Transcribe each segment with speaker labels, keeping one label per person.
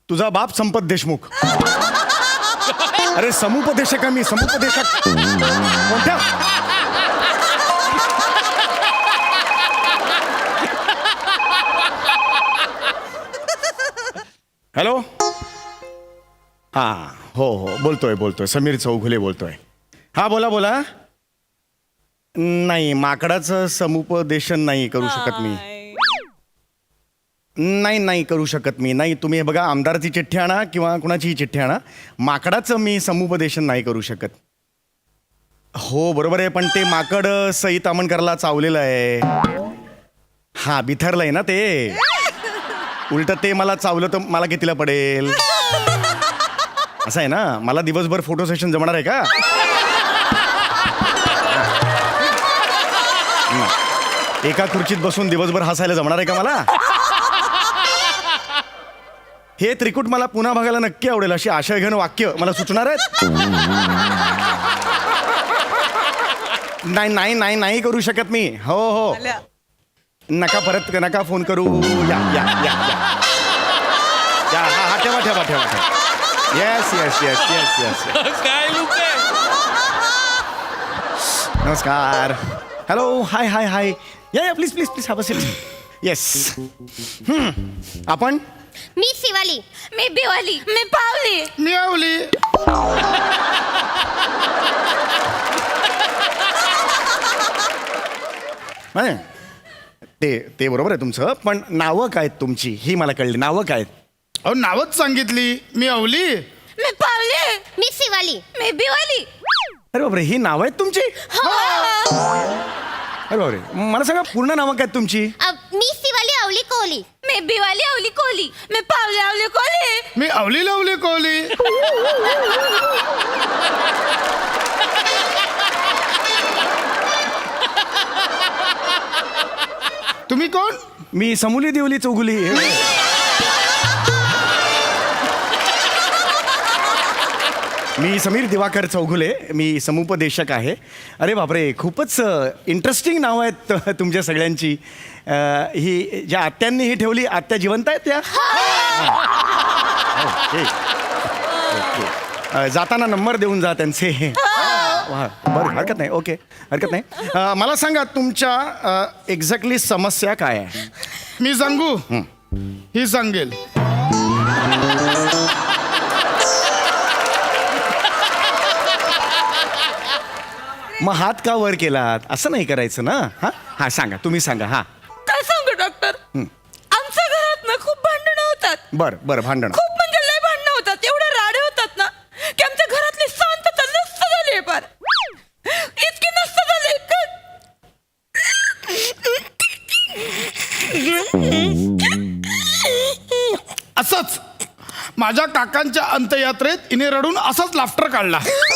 Speaker 1: तुझा बाप संपत देशमुख. अरे समुपदेशक आहे मी, समुपदेशक. कोणत्या? हॅलो. हा हो हो बोलतोय समीर चौघुले बोलतोय. हा बोला बोला. नाही माकडाचं समुपदेशन नाही करू शकत मी. नाही करू शकत मी. नाही तुम्ही हे बघा, आमदाराची चिठ्ठी आणा किंवा कुणाचीही चिठ्ठी आणा, माकडाचं मी समुपदेशन नाही करू शकत. हो बरोबर आहे, पण ते माकड सई तामणकरला चावलेलं आहे. हा बिथरलंय ना ते. उलट ते मला चावलं तर मला कितीला पडेल. असं आहे ना, मला दिवसभर फोटो सेशन जमणार आहे का? एका खुर्चीत बसून दिवसभर हसायला जमणार आहे का मला? हे त्रिकूट मला पुन्हा बघायला नक्की आवडेल. अशी आशयघन वाक्य मला सुचणार आहेत. नाही करू शकत मी. हो हो नका, परत नका फोन करू. या या या या हा ठेवा. येस.
Speaker 2: काय लोक आहे?
Speaker 1: नमस्कार. हॅलो. हाय. या please have a seat. Yes. आपण?
Speaker 3: मी शिवाली. मी बिवाली. मी पावली.
Speaker 4: मी आवली.
Speaker 1: नाही, ते बरोबर आहे तुमचं, पण नावं काय आहेत तुमची ही मला कळली. नावं काय आहेत?
Speaker 4: अहो नावच सांगितली. मी आवली.
Speaker 3: मी पावली. मी शिवाली. मी बिवाली.
Speaker 1: अरे बापरे, ही नावं आहेत तुमची? अरे बापरे, मला सांगा पूर्ण नावं काय आहेत तुमची?
Speaker 3: मी शिवाली आवली कोहली. मी बिवाली आवली कोहली. मी पावली आवली कोहली.
Speaker 4: मी आवली लावली कोहली. तुम्ही कोण?
Speaker 1: मी समूली देवली चौगुली. मी समीर दिवाकर चौघुले. मी समुपदेशक आहे. अरे बापरे, खूपच इंटरेस्टिंग नावं आहेत तुमच्या सगळ्यांची. ही ज्या आत्यांनी ही ठेवली, आत्या जिवंत आहेत त्या? ओके. जाताना नंबर देऊन जा त्यांचे. बरं, हरकत नाही. ओके, हरकत नाही. मला सांगा तुमच्या एक्झॅक्टली समस्या काय आहे?
Speaker 4: मी सांगू? ही सांगेल.
Speaker 1: मग हात का वर केलात? असं नाही करायचं ना. हा सांगा, तुम्ही सांगा. हा
Speaker 5: काय सांगू डॉक्टर, आमच्या घरात ना खूप भांडणं होतात.
Speaker 1: बरं भांडण.
Speaker 5: खूप म्हणजे लय भांडणं होतात. एवढे राडे होतात ना की आमच्या घरातली शांतता नष्ट झाली आहे. फार इतकी नष्ट झाली
Speaker 4: असंच माझ्या काकांच्या अंत्ययात्रेत इने रडून असाच लाफ्टर काढला.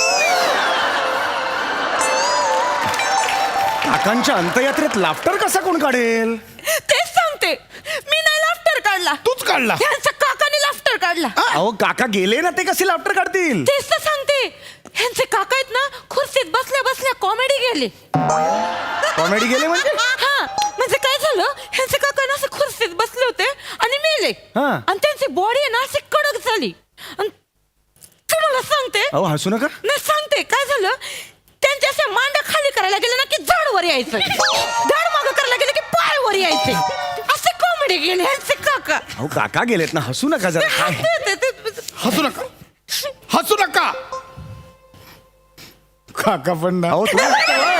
Speaker 1: काकांच्या अंत्ययात्रेत लाफ्टर कसा कोण काढेल?
Speaker 5: तेच सांगते. मी नाही लाफ्टर काढला,
Speaker 4: तूच काढला.
Speaker 5: ह्यांच्या काकाने लाफ्टर काढला.
Speaker 1: अहो काका गेले ना, ते कसे लाफ्टर काढतील?
Speaker 5: तेच तर सांगते. ह्यांचे काका आहेत ना, खुर्चीत बसल्या बसल्या कॉमेडी गेले.
Speaker 1: कॉमेडी गेले म्हणजे?
Speaker 5: हा म्हणजे काय झालं, ह्यांचे काका ना असे खुर्चीत बसले होते आणि मेले.
Speaker 1: हा.
Speaker 5: आणि त्यांची बॉडी आहे ना अशी कडक झाली. आणि तुम्हाला सांगते,
Speaker 1: अहो हसू नका.
Speaker 5: नाही सांगते काय झालं, त्यांच्या अशा मांड्या खाली करायला गेले ना की झाड वर यायचं, झाड मागं करायला गेलं की पाय वर यायचे. असे कॉमेडी गेले ह्यांचे काका.
Speaker 1: अहो काका गेलेत ना, हसू नका जरा. काय
Speaker 4: हसू नका, हसू नका. काका पण ना.
Speaker 1: अहो तुम्ही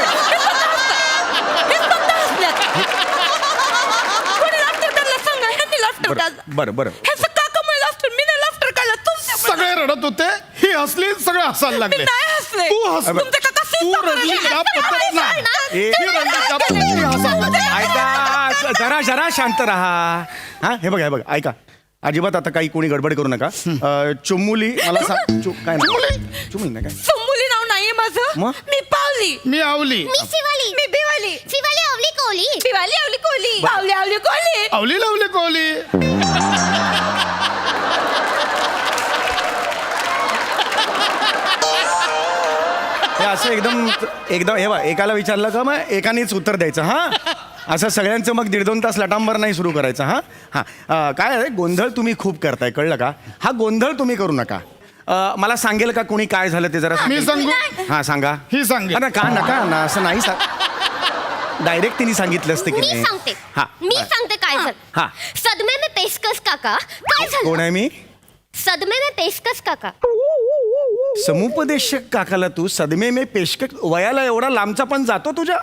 Speaker 5: कोणी लाफ्टर काढला सांगा. ह्यांनी लाफ्टर काढला.
Speaker 1: बरं
Speaker 5: ह्यांचं काकामुळे लाफ्टर, मी नाही लाफ्टर काढला. तुमच्या
Speaker 4: सगळे रडत होते, ही हसली, सगळे हसायला
Speaker 5: मी
Speaker 4: लागले.
Speaker 5: नाही हसले.
Speaker 4: तू हस.
Speaker 5: तुमचे काका
Speaker 4: तू रडली का पद्धत नाही.
Speaker 1: ए,
Speaker 4: ही रडली का पद्धत नाही, हसायला लागली.
Speaker 1: ऐका, जरा शांत राहा. हा हे बघा ऐका, अजिबात आता काही कोणी गडबड करू नका. चुमुली मला सांग. काय ना चुमुली ना काय?
Speaker 5: चुमुली नाव नाहीये माझं.
Speaker 1: मग?
Speaker 5: मी पावली.
Speaker 4: मी आवली.
Speaker 3: मी शिवाली.
Speaker 5: मी बिवाली.
Speaker 3: शिवाली आवली कोहली.
Speaker 5: बिवाली आवली कोहली. आवली आवली कोहली.
Speaker 4: आवली लावली कोहली.
Speaker 1: हे असं एकदम एकदम हे बघ, एकाला विचारलं का मग एकानेच उत्तर द्यायचं हा. असं सगळ्यांचं मग 1.5-2 तास लटांबर नाही सुरू करायचं हा. हा काय आहे, गोंधळ तुम्ही खूप करताय, कळलं का? हा गोंधळ तुम्ही करू नका. मला सांगेल का कोणी काय झालं ते जरा
Speaker 4: मी
Speaker 1: सांगेल?
Speaker 4: सांगू
Speaker 1: हा सांगा.
Speaker 4: ही सांगेल.
Speaker 1: अरे का नका ना, असं नाही डायरेक्ट तिने सांगितलं असते की
Speaker 3: मी
Speaker 1: नाही.
Speaker 3: सांगते
Speaker 1: हा
Speaker 3: मी सांगते काय झालं.
Speaker 1: हा.
Speaker 3: सदमे में पेशकश काका काय झालं.
Speaker 1: कोण आहे मी?
Speaker 3: सदमे में पेशकश काका.
Speaker 1: समुपदेशक काकाला तू सदमे में पेशकश, वयाला एवढा लांबचा पण जातो तुझ्या?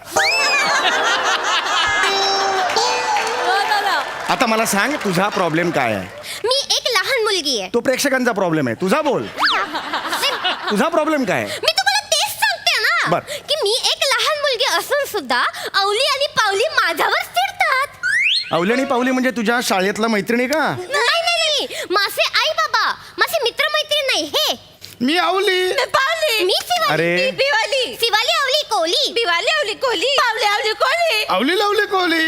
Speaker 1: आता मला सांग तुझा प्रॉब्लेम काय आहे?
Speaker 3: मी एक लहान मुलगी आहे.
Speaker 1: तो प्रेक्षकांचा प्रॉब्लेम आहे, तुझा बोल. तुझा प्रॉब्लेम काय आहे?
Speaker 3: मी तुम्हाला तेच सांगते ना
Speaker 1: बर.
Speaker 3: की मी एक लहान मुलगी असून सुद्धा अवली आणि पावली माझ्यावर चिडतात.
Speaker 1: अवली आणि पावली म्हणजे तुझ्या शाळेतला मैत्रिणी का?
Speaker 3: नाही माझे आई बाबा, माझे मित्र मैत्रीण नाही हे.
Speaker 4: मी आवली.
Speaker 5: पावली
Speaker 3: मी शिवाली.
Speaker 1: अरे.
Speaker 5: बिवाली
Speaker 3: शिवाली अवली कोली.
Speaker 5: बिवाली आवली कोली पावली आवली कोली.
Speaker 4: आवली लावली कोहली.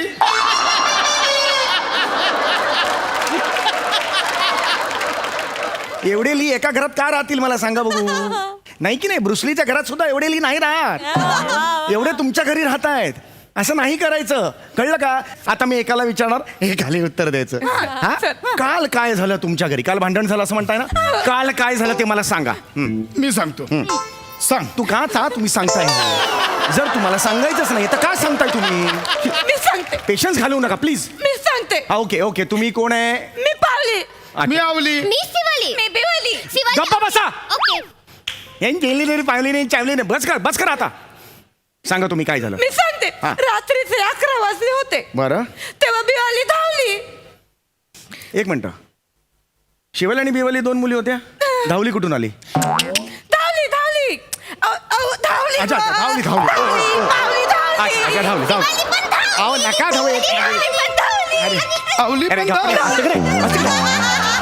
Speaker 1: एवढेली एका घरात का राहतील मला सांगा बघू. नाही की नाही, ब्रुसलीच्या घरात सुद्धा एवढेली नाही राहत. एवढे तुमच्या घरी राहत आहेत. असं नाही करायचं, कळलं का? आता मी एकाला विचारणार, हे खाली उत्तर द्यायचं. हा काल काय झालं तुमच्या घरी? काल भांडण झालं असं म्हणताय ना? काल काय झालं ते मला सांगा.
Speaker 4: मी सांगतो. सांग.
Speaker 1: तू का तुम्ही सांगताय? जर तुम्हाला सांगायचंच नाही तर का सांगताय तुम्ही?
Speaker 5: मी सांगते
Speaker 1: पेशन्स घालवू नका प्लीज.
Speaker 5: मी सांगते.
Speaker 1: ओके ओके, तुम्ही कोण आहे?
Speaker 5: मी पावली.
Speaker 4: मी आवली.
Speaker 3: मी शिवाली.
Speaker 5: मी बिवाली.
Speaker 3: शिवाली.
Speaker 1: गप्पा बसा.
Speaker 3: ओके.
Speaker 1: यांनी गेली नाही, पाहिली नाही, चावली नाही. बस कर आता. सांगा तुम्ही काय झालं?
Speaker 5: मी सांगते.
Speaker 1: हा.
Speaker 5: रात्रीचे 11 वाजले होते.
Speaker 1: बरं
Speaker 5: तेव्हा बिवाली धावली.
Speaker 1: एक मिनिट. शिवाली आणि बिवाली 2 मुली होत्या. धावली कुठून आली?
Speaker 5: धावली धावली धावली.
Speaker 1: अच्छा, धावली, धावली.
Speaker 5: पावली धावली.
Speaker 1: अच्छा, धावली.
Speaker 3: शिवाली पण धावली.
Speaker 1: अहो, नका धावू.
Speaker 5: बिवाली पण धावली.
Speaker 1: अरे,
Speaker 4: आवली
Speaker 1: अरे,
Speaker 4: पण
Speaker 1: गप्पा
Speaker 4: धावली.
Speaker 1: बसा. तिकडे, तिकडे.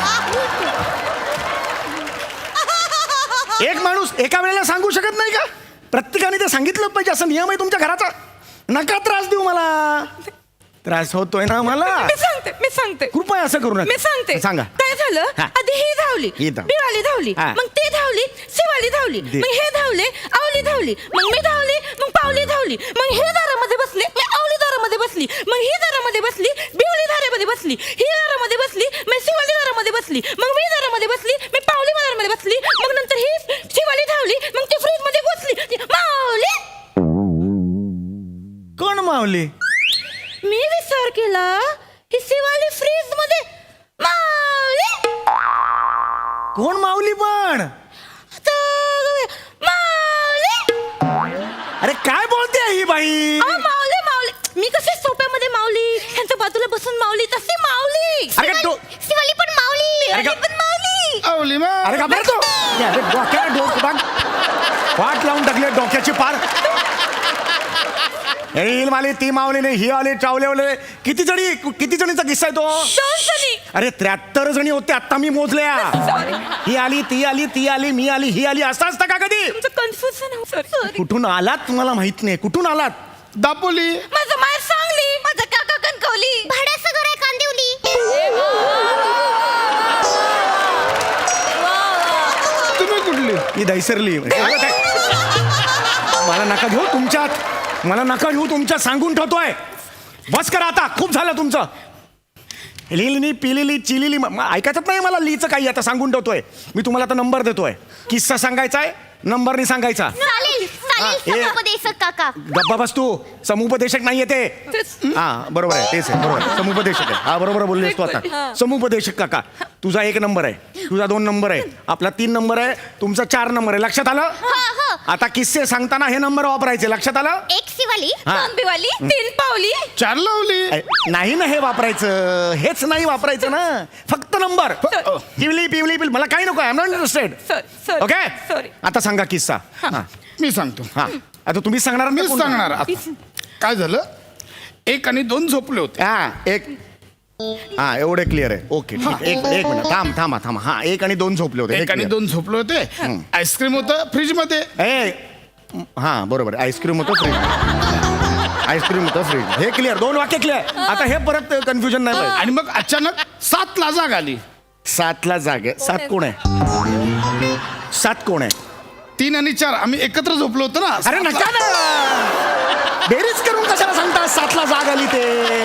Speaker 1: एक माणूस एका वेळेला सांगू शकत नाही का? प्रत्येकाने ते सांगितलं पाहिजे, असं नियम आहे तुमच्या घराचा. नका त्रास देऊ मला. त्रास होतोय ना मला.
Speaker 5: मी सांगते
Speaker 1: कृपया असं करू
Speaker 5: मी
Speaker 1: नका.
Speaker 5: सांगते.
Speaker 1: सांगा.
Speaker 5: काय झालं.
Speaker 1: हा.
Speaker 5: आधी ही धावली.
Speaker 1: ही धावली.
Speaker 5: बिवाली धावली.
Speaker 1: हा.
Speaker 5: मग ते धावली. शिवाली धावली. मग हे धावले. आवली धावली. मग मी धावली. मग पावली धावली. मग हे दारामध्ये बसले. मी आवली दारामध्ये बसली. मग ही दारामध्ये बसली. बिवली दारामध्ये बसली. ही दारामध्ये बसली. मग शिवाली दारामध्ये बसली. मग मी दारामध्ये बसली. मी पावली दारामध्ये बसली. मग नंतर ही शिवाली धावली. मग ती फ्रीज मध्ये बसली. मावली.
Speaker 1: कोण मावली?
Speaker 5: मी विचार केला ही शिवाली फ्रीज मध्ये मावली.
Speaker 1: कोण मावली पण?
Speaker 5: आता मावली.
Speaker 1: अरे काय बोलते ही बाई?
Speaker 5: मावली मावली. मी कसे सोप्यामध्ये मावली, ह्यांच्या बाजूला बसून मावली, तशी मावली.
Speaker 1: अरे तो
Speaker 3: शिवाली पण मावली.
Speaker 1: अरे
Speaker 5: शिवाली पण मावली.
Speaker 4: आवली मा.
Speaker 1: अरे का बरं तो? अरे डोक्याला वाट लावून टाकली डोक्याची पार. ही मावली, ती मावली नाही, ही आली, चावले. किती जणीचा किस्सा आहे तो?
Speaker 5: 2 जणी.
Speaker 1: अरे 73 जणी होते आता मी मोजल्या.
Speaker 5: Sorry.
Speaker 1: ही आली, ती आली, ती आली, मी आली, ही आली. असं असतं का कधी?
Speaker 5: तुमचं कन्फ्युजन. सॉरी.
Speaker 1: कुठून आलात तुम्हाला माहित नाही. कुठून आलात?
Speaker 4: दापोली.
Speaker 5: माझं माहेर सांगली. माझं काका कणकवली.
Speaker 3: भाड्याचं घर आहे कांदिवली.
Speaker 4: तुम्ही कुठली?
Speaker 1: ही दैसरली. मला नका घेऊ तुमच्यात. मला नका घेऊ तुमच्यात, सांगून ठेवतोय. बस करा आता, खूप झालं तुमचं. लिहिली पिलेली चिलिली ऐकायचं नाही मला. लिहिचं काही आता सांगून ठेवतोय मी तुम्हाला. आता नंबर देतोय. किस्सा सांगायचा आहे, नंबरनी सांगायचा.
Speaker 3: चालेल
Speaker 1: हा,
Speaker 3: चालेल.
Speaker 1: हे-
Speaker 3: समुपदेशक काका.
Speaker 1: गप्पा बस तू. समुपदेशक नाहीये ते. हा बरोबर आहे, तेच आहे, बरोबर आहे. समुपदेशक आहे. हा बरोबर बोललेस तू आता. समुपदेशक काका. तुझा 1 नंबर आहे, तुझा 2 नंबर आहे, आपला 3 नंबर आहे, तुमचा 4 नंबर आहे. लक्षात आलं?
Speaker 3: हो.
Speaker 1: आता किस्से सांगताना हे नंबर वापरायचे. लक्षात आलं?
Speaker 3: एक शिवाली.
Speaker 1: हा.
Speaker 5: 2 बिवाली. 3 पावली.
Speaker 4: 4 लावली.
Speaker 1: नाही ना हे वापरायचं. हेच नाही वापरायचं ना. फक्त नंबर. पिवली पिवली पिवली. मला काही नको. I am not interested.
Speaker 5: Sorry.
Speaker 1: Okay.
Speaker 5: Sorry.
Speaker 1: आता सांगा किस्सा. हा.
Speaker 4: मी सांगतो.
Speaker 1: हा. आता तुम्ही सांगणार ना?
Speaker 4: मीच
Speaker 1: कोण?
Speaker 4: सांगणार आता. काय झालं. 1 आणि 2 झोपले होते.
Speaker 1: हा एक. हा एवढे क्लिअर आहे. ओके ठीक आहे. एक मिनिट थांबा. हा 1 आणि 2 झोपले होते.
Speaker 4: 1 आणि 2 झोपले होते. आईस्क्रीम होतं फ्रीज मध्ये.
Speaker 1: हा बरोबर. आईस्क्रीम होतं फ्रीज. आईस्क्रीम होतं फ्रीज. हे क्लिअर. 2 वाक्य क्लिअर. आता हे परत कन्फ्युजन नाही पाहिजे.
Speaker 4: आणि मग अचानक 7ला जाग आली.
Speaker 1: 7ला जागे. 7 कोण आहे? 7 कोण आहे?
Speaker 4: 3 आणि 4 आम्ही एकत्र झोपलो होतो ना.
Speaker 1: अरे नका ना बेरीज करून कशाला सांगता 7ला जाग आली ते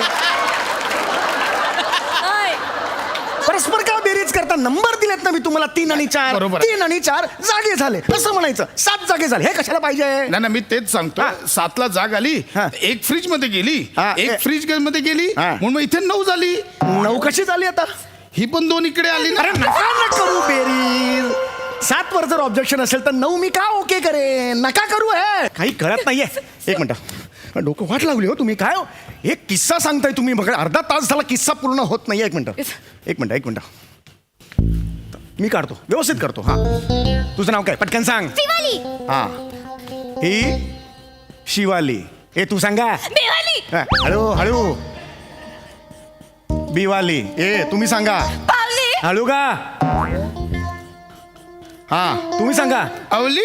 Speaker 1: परस्पर का बेरीज करता नंबर दिलेत ना मी तुम्हाला 3 आणि 4
Speaker 4: बरोबर आहे.
Speaker 1: 3 आणि 4 जागे झाले असं म्हणायचं 7 जागे झाले हे कशाला पाहिजे
Speaker 4: नाही ना मी तेच सांगतो.
Speaker 1: हा.
Speaker 4: 7ला जाग आली,
Speaker 1: हा.
Speaker 4: एक फ्रीज मध्ये गेली,
Speaker 1: हा.
Speaker 4: एक फ्रीज मध्ये गेली,
Speaker 1: हा.
Speaker 4: म्हणून मग इथे 9 झाली.
Speaker 1: 9 कशी झाली आता
Speaker 4: ही पण 2 इकडे आली ना.
Speaker 1: अरे नका ना करू बेरीज 7 वर जर ऑब्जेक्शन असेल तर 9 मी का ओके करेन नका करू हे काही कळत नाहीये. एक मिनिट डोकं वाट लावली हो तुम्ही काय हो? एक किस्सा सांगताय तुम्ही बघा अर्धा तास झाला किस्सा पूर्ण होत नाही. एक मिनिट मी काढतो व्यवस्थित करतो. हा तुझं नाव काय पटकन सांग.
Speaker 3: शिवाली
Speaker 1: हा ही शिवाली ए तू सांगा.
Speaker 3: बिवाली
Speaker 1: हा, हळू हळू बिवाली ए तुम्ही सांगा.
Speaker 5: पावली
Speaker 1: हळू का हा तुम्ही सांगा.
Speaker 4: अवली.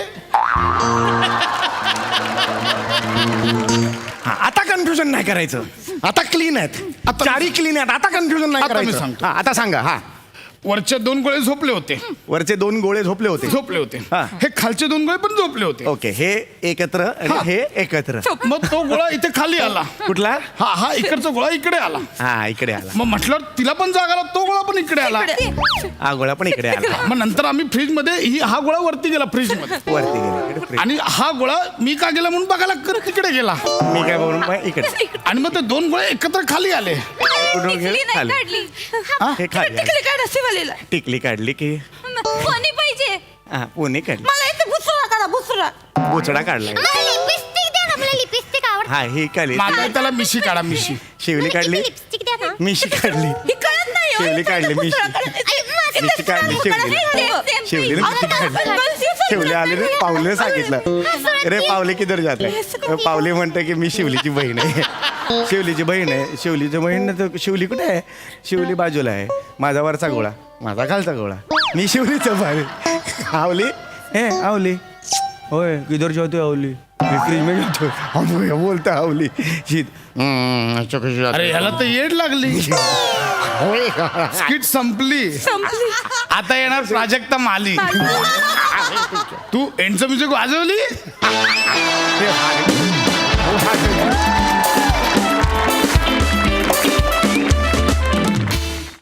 Speaker 1: हा आता कन्फ्युजन नाही करायचं आता क्लीन आहेत
Speaker 4: आता-
Speaker 1: चारी क्लीन आहेत आता कन्फ्युजन नाही
Speaker 4: आता मी
Speaker 1: करायचं.
Speaker 4: सांगतो.
Speaker 1: हा आता सांगा. हा
Speaker 4: वरचे 2 गोळे झोपले होते.
Speaker 1: वरचे 2 गोळे झोपले होते.
Speaker 4: झोपले होते.
Speaker 1: हा.
Speaker 4: हे खालचे 2 गोळे पण झोपले होते.
Speaker 1: ओके हे एकत्र आणि
Speaker 4: हा.
Speaker 1: हे एकत्र
Speaker 4: मग तो गोळा इथे खाली आला.
Speaker 1: कुठला
Speaker 4: हा इकडचा गोळा इकडे आला.
Speaker 1: हा इकडे आला
Speaker 4: मग म्हटलं तिला पण जाग आला, तो गोळा पण इकडे आला.
Speaker 1: हा गोळा पण इकडे आला
Speaker 4: मग नंतर आम्ही फ्रीज मध्ये हा गोळा वरती गेला फ्रीज मध्ये,
Speaker 1: वरती गेला इकडे फ्रीज.
Speaker 4: आणि हा गोळा मी का गेला म्हणून बघायला तिकडे गेला.
Speaker 1: मी काय बोलून मग इकडे
Speaker 4: आणि मग ते 2 गोळे एकत्र खाली आले.
Speaker 1: कुठून गेले?
Speaker 3: टिकली नाही
Speaker 1: खाली.
Speaker 3: काढली
Speaker 1: हे खाली आले.
Speaker 5: तिकडे काढा शिवालीला.
Speaker 1: टिकली काढली की
Speaker 3: कोणी पाहिजे
Speaker 1: हा पुणे काढली
Speaker 5: मला इथे बुसरा काढा बुसरा.
Speaker 1: बोचडा काढलाय.
Speaker 3: मला लिपस्टिक द्या ना मला लिपस्टिक आवडते
Speaker 1: हा ही काढली
Speaker 4: माझा त्याला मिशी काढा मिशी.
Speaker 1: शिवली काढली
Speaker 3: लिपस्टिक द्या ना
Speaker 1: मिशी काढली
Speaker 5: ही कळत नाही हो.
Speaker 1: शिवली काढली मिशी मिशी काढली शिवली मिशी काढली शिवले आले रे पावले सांगितलं रे पावले किधर जाते पावले म्हणते की मी शिवलीची बहीण आहे शिवलीची बहीण आहे शिवलीची बहीण तर शिवली कुठे आहे शिवली बाजूला आहे माझा वरचा गोळा माझा खालचा गोळा मी शिवलीचं बाहेर आवली हे आवली होय किधर जाते आवली मी फ्रीज में जातो हम बोलता आवली शीत
Speaker 4: अरे ह्याला तर येड लागली. स्किट संपली.
Speaker 5: संपली.
Speaker 4: आता येणार प्राजक्ता माली. तू एंडचं म्युझिक वाजवली.
Speaker 1: हे